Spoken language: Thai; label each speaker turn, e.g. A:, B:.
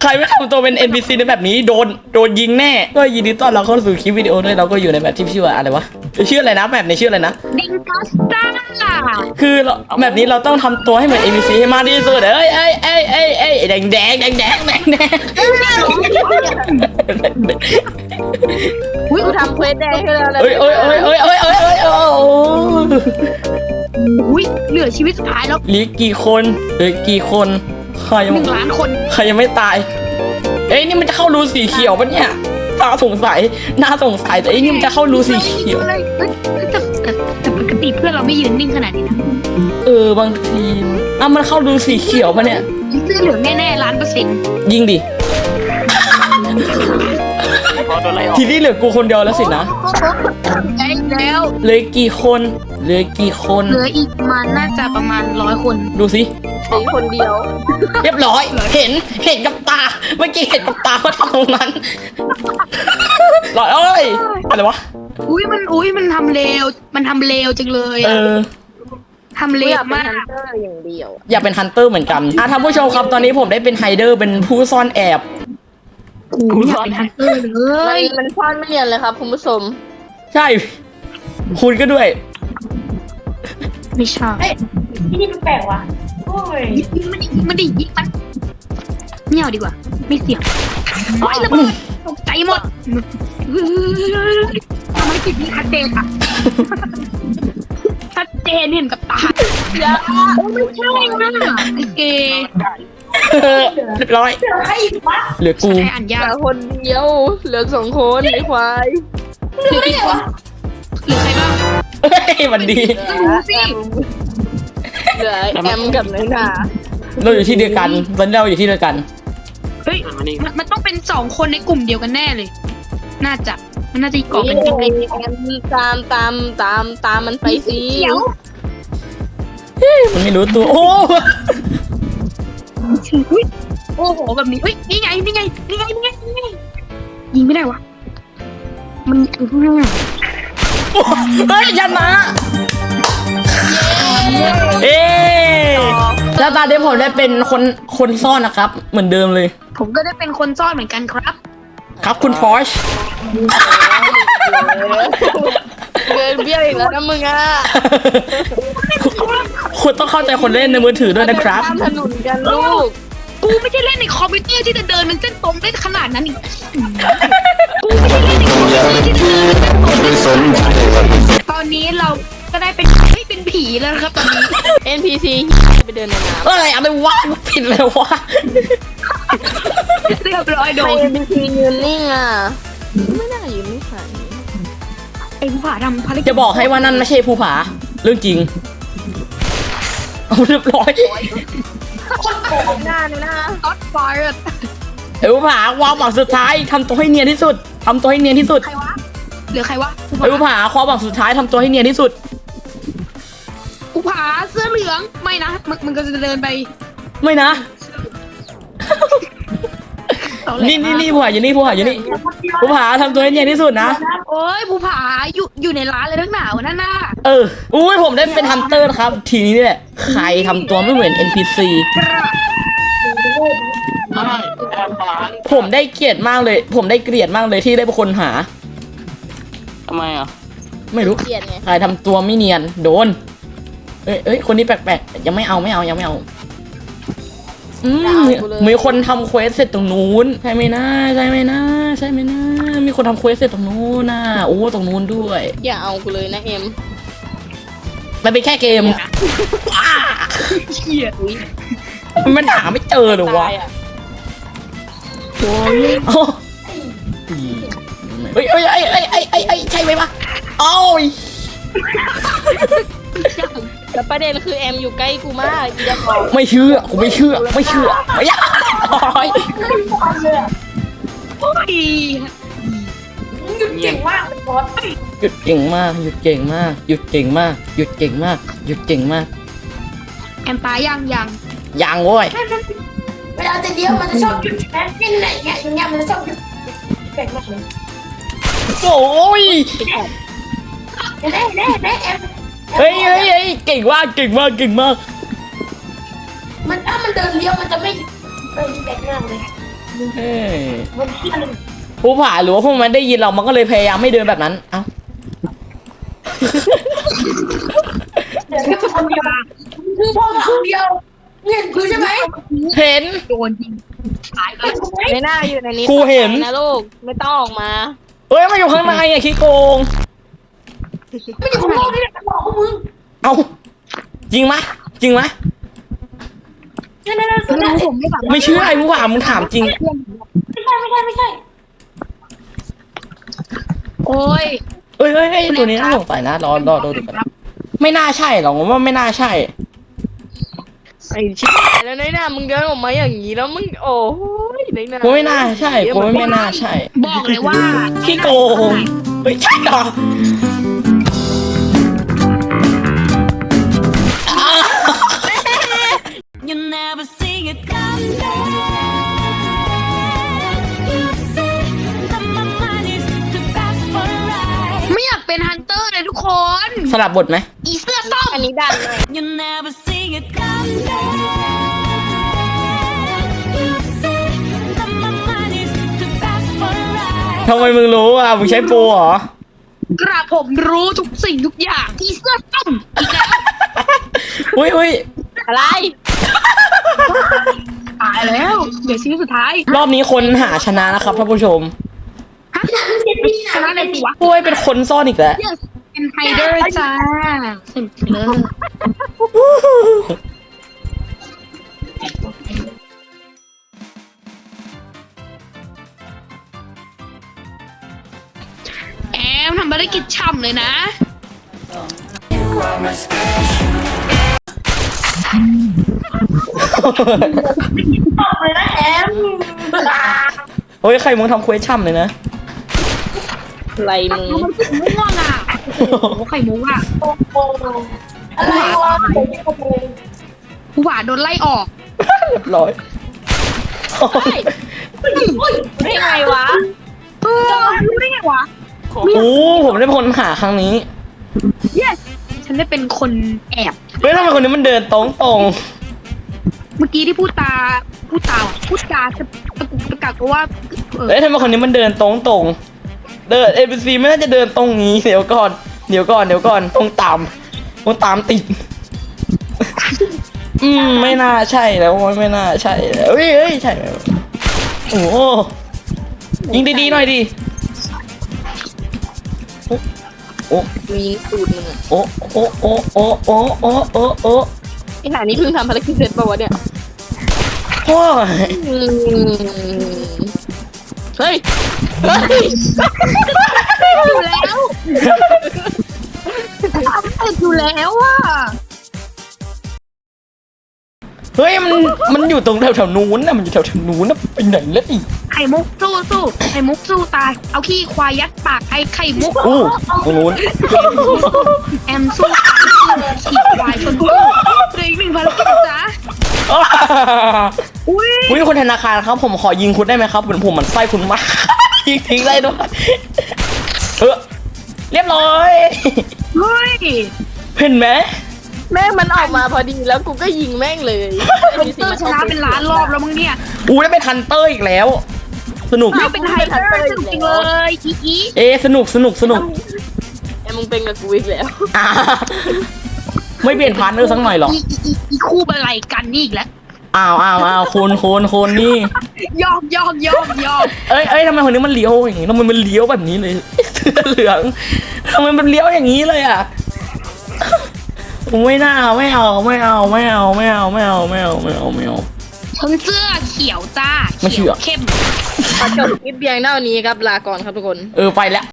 A: ใครไม่ทำตัวเป็น NPC ในแบบนี้โดนยิงแน่ก็ยินดีต้อนรับเข้าสู่คลิปวิดีโอด้วยเราก็อยู่ในแบบที่ชื่อว่าอะไรวะชื่ออะไรนะแบบในชื่ออะไรนะ
B: ดิงกัสตา
A: คือแบบนี้เราต้องทำตัวให้เหมือน NPC ให้มากที่สุดเอ้ยแดง
C: อุ้ยกูทำเควสแดงให้เราเลย
A: เอ้ย
B: อุ้ยเหลือชีวิตสุดท้ายแล้ว
A: เหลือกี่คนใครยัง
B: 1 ล้านคน
A: ใครยังไม่ตายเอ้ยนี่มันจะเข้ารูสีเขียวปะเนี่ยน่าสงสัยแต่ไอ้นี่มันจะเข้ารูสีเขียว
B: แต่ปกติเพื่อนเราไม่ยืนนิ่งขนาดนี้นะ
A: บางทีมันเข้ารูสีเขียวปะเนี่ย
B: เสื้อเหลืองแน่ๆ1,000,000%
A: ยิงดิทีนี้เหลือกูคนเดียวแล้วสินะ
B: ได้แล้ว
A: เหลือกี่คนเหลือ
B: อีกมันน่าจะประมาณ100 คน
A: ดูสิ
C: สีคนเดียว
A: เรียบร้อยเห็นกับตาเมื่อกี้เห็นกับตาว่าทำตรงนั้นหลอดอะไรวะ
B: มันทำเร็วจังเลยทำเร็วมาก
C: เตอร์อย่างเดียว
A: อยากเป็นฮันเตอร์เหมือนกันท่านผู้ชมครับตอนนี้ผมได้เป็นไฮเดอร์เป็นผู้ซ่อนแอบ
B: อยากเป็นฮันเตอร์เลย
C: มันซ่อนไม่เรียนเลยครับคุณผู้ชม
A: ใช่คุณก็ด้วย
B: ไม่ใช่
D: นี่มันแปลกว่ะโอ้ย
B: ยิงมันไม่เอาดีกว่าไม่เสี่ยงโอ้ยระเบิดตกใจหมดทำไมติดนี้ชัดเจนอะชัดเจนเห็นกับตาไม่ใช่นะไอเก
A: เรียบร้อย
D: เจอใครอีกวะ
A: เหลือกู
B: ใช่อ่าน
C: เห
B: ยา
C: ลื
B: ก
C: อคนเดียวเหลือ2 คนไอ้ควาย
B: หรือใครบ้าง
A: เฮ้ยมันดี
C: เหลือแอมกับน้อยหนา
A: เราอยู่ที่เดียวกันตอนนี้เราอยู่ที่เดียวกัน
B: เฮ้ยมันต้องเป็น2 คนในกลุ่มเดียวกันแน่เลยมันน่าจะก่อเป็นกลุ่มเดียว
C: แอมตามมันไปสิ
B: เขียว
A: มันไม่รู้ตัวโอ้
B: โอ้โหแบบนี้เฮ้ยนี่ไงยิงไม่ได้วะมันเ
A: เฮ้ยยันมาแล้วตอนนี้ผมได้เป็นคนซ่อนนะครับเหมือนเดิมเลย
B: ผมก็ได้เป็นคนซ่อนเหมือนกันครับ
A: ครับคุณพอช
C: เกินเบี้ยวอีกแล้วนะมึงอ่ะ
A: คุณต้องเข้าใจคนเล่นในมือถือด้วยนะครับ
C: ข้ามถนนกันลูก
B: กูไม่ใช่เล่นในคอมพิวเตอร์ที่จะเดินเป็นเส้นตรงได้ขนาดนั้นอีกกูไม่ใช่เล่นในคอมพิวเตอร์ที่จะเดินเป็นเส้นตรงตอนนี้เราก็ได้เป็นผีแล้วครับตอนนี้
C: NPC ไปเดินในน้
A: อะไรวะผิดเลยวะ
B: เรียบร้อย
C: ำ
B: โด
C: ใคร
B: น
C: NPC ยืนนิ่งอ่ะไม่น่ายืนนิ่งขนาดนี้
B: ไอ้ผู้ผ่าทำภารกิจ
A: จะบอกให้ว่านั่นไม่ใช่ภูผาเรื่องจริงเอาเรียบร้อย
C: หน้าเลยนะ
B: ก็อดไฟร์
A: ไอ้ภูผาความหวังสุดท้ายทำตัวให้เนียนที่สุด
B: ใครวะเหลือใครวะ
A: ไอ้ภูผาความหวังสุดท้ายทำตัวให้เนียนที่สุด
B: ผู้ผ่าเสื้อเหลืองไม่นะมันก็จะเดินไป
A: ไม่นะ นี่ภูผาอยู่นี่ภูผาทำตัวให้เนียนที่สุดนะ
B: โอ้ยผู้ผ่าอยู่ในร้านเลยทั้งหนาวนั่นน่ะ
A: อุ้ยผมได้เป็นฮันเตอร์นะครับ ทีนี้เนี่ยใครทำตัวไม่เหมือน NPC ผมได้เกลียดมากเลยที่ได้เป็นคนหา
E: ทำไมอ่ะ
A: ไม่รู้
C: เกลียดไง
A: ใครทำตัวไม่เนียนโดนเอ้ยคนนี้แปลกๆยังไม่เอามีคนทำเควสเสร็จตรงนู้นใช่ไหมนะมีคนทำเควสเสร็จตรงนู้นนะโอ้ตรงนู้นด้วย
C: อย่าเอากูเลยนะเอ็ม
A: มันเป็นแค่เกม
B: เชี่ย
A: มันหาไม่เจอหรอวะ
C: ตายอ่ะ
A: เฮ้ยใช่ไหมวะโอ้ย
C: แต่ประเด็นคือแอมอยู่ใกล้กูมากอีจะบอก
A: ไม่เชื่อไม่อยากโอ้ย
B: โอ้ย
D: หยุดเก่งมากเป็นบอส
A: หยุดเก่งมาก
B: แอมตายยัง
A: ยังโว้ย
D: เวลาจะเลี้ยวมันจะชอบหยุดแม่เป็นไหนเนี่ยอย่างเงี้ยมันจะชอบหยุดแปลกมากเลย
A: โอ้ย
D: แน่แอม
A: เฮ้ยเก่งมาก
D: มันถ้ามันเดินเลี้ยวมันจะไม่แปลกมากเลย
A: เอ้ยผู้ผ่าหรือว่าพวกมันได้ยินเรามันก็เลยพยายามไม่เดินแบบนั้นเอ้า
D: เดี๋ยวพี่คนเดียวคือพ่อคนเดียวเห็นคือใช่ไหม
A: เห็น
B: โดนยิงตายเลย
C: ไม่น่าอยู่ในนี้
A: กูเห็น
C: นะลูกไม่ต้องออกมา
A: เอ้ยมาอยู่ข้างในอ่ะขี้โกง
D: ไม่อยู่ข้างนอกนี่แหละบอกพวกมึง
A: เอ้าจริงไหมจริงไหม
D: นั่นนั่นนั่น
B: ไม่รู้ผมไม่แบบ
A: ไม่เชื่อไอ้ผู้ผ่ามึงถามจริง
D: ไม่ใช่
B: โอ้ย
A: เอ้ยตัวนี้น่าสงสัยนะรอดูกันไม่น่าใช่หรอกผมว่าไม่น่าใช่
C: ไอ้ชิบหายแล้วน้อยหน้ามึงเดินออกมาอย่างนี้แล้วมึงโอ้ยน้อยหน้า
A: กูไม่น่าใช่กูไม่น่าใช่
B: บอกเลยว่า
A: ขี้โกงเฮ้ยใช่เหรออ้าว
F: You never see it come back. You say that my mind is the best for right.
B: ไม่อยากเป็นฮันเตอร์เลยทุกคน
A: สลับบทไหม
B: อีเสื้อส้ม
C: อันนี้ดันเลย
F: You never see it come back. You say that my mind is the best for right.
A: ทำไมมึงรู้อ่ะมึงใช้โปรเหรอ
B: กระผมรู้ทุกสิ่งทุกอย่างอีเสื้อส้มอีกแล้ว
A: อุ้ย
C: อะไร
B: ตายแล้วเดี๋ยวชีวิตสุดท้าย
A: รอบนี้คนหาชนะนะครับท่านผู้ชม
B: ฮะชนะเลยสิวะ
A: ปุ้ยเป็นคนซ่อนอีกแล้ว
B: yes เป็นไฮเดอร์จ้าเสร็จเลยแอมทำภารกิจช่ำเลยนะ
D: เลยนะแอม
A: เฮ้ยใครมึงทำเควสช่ำเลยนะ
C: อะไรมึง
B: มันถึงม่วงอ่ะโอ้โหไข่มุกอ่ะ
D: โอ้โหอะไรวะ
B: ผู้หวานโดนไล่ออก
A: เรียบร้อย
C: ได้ไงวะ
B: เออรู้ได้ไงวะ
A: โอ้ผมได้คนหาครั้งนี้
B: yes ฉันได้เป็นคนแอบ
A: เฮ้ยทำไมคนนี้มันเดินตรง
B: เมื่อกี้ที่พูดจาจะตะกุกตะกักเพราะว่า
A: ๆเฮ้ยทำไมคนนี้มันเดินตรงเดิน ABC ไม่น่าจะเดินตรงนี้เดี๋ยวก่อนตรงตามติด ไม่น่าใช่แล้วไม่น่าใช่แล้วเฮ้ยใช่ไหมโอ้โหยิงดีๆหน่อยดิโอ้
C: มีสูตรมึงอะ
A: โอ้
C: ไอ้หานี่เพิ่งทำภารกิจเสร็จป่าวะเนี่ย
A: โอ้ย
C: อืมเฮ้ย
B: อยู่แล้วอยู่แล้วอ่ะ
A: เฮ้ยมันอยู่ตรงแถวๆนู้นนะมันอยู่แถวๆนู้นนะไปไหนแล้วอีก
B: ไข่มุกสู้ไข่มุกสู้ตายเอาขี้ควายยัดปากไอ้ไข่มุก
A: อู้ตรงนู้น
B: แอมสู้ตายขี้ควายชนตู้เหลืออีกหนึ่งภารกิจจ้ะอุ้ย
A: อุ้ยคนธนาคารครับผมขอยิงคุณได้ไหมครับผมมันไส้คุณมาก ยิงทิ้งได้ด้วยเรียบร้อย
B: เฮ้ย
A: เห็นไหม
C: แม่งมันออกมาพอดีแล้วกูก็ยิงแม่งเลย
B: ฮันเตอร์ชนะเป็นล้านรอบแล้วมึงเนี่ย
A: อู้ได้เป็นฮันเตอร์อีกแล้ว สนุก
B: ไม่เป็นไฮเดอร์สนุกจริงเลยอี
A: สนุก
C: ไอ้มึงเป็นกับกูอีกแล้ว
A: อ่าไม่เปลี่ยนพาร์ทเนอร์สักหน่อยหรอ
B: อีคู่บันไลกันนี่อีกแล้ว
A: อ้าวคนนี่
B: ยอก
A: เอ้ยทำไมคนนี้มันเลี้ยวอย่างงี้ทำไมมันเลี้ยวแบบนี้เลยเสื้อเหลืองทำไมมันเลี้ยวอย่างนี้เลยอ่ะไม่เอา
B: ทั้งเสื้อเขียวจ้า
A: ไม่เชื่อ
B: เข้ม
C: ขอจบคลิปเพียงเท่านี้ครับลาก่อนครับทุกคน
A: ไปแล้ว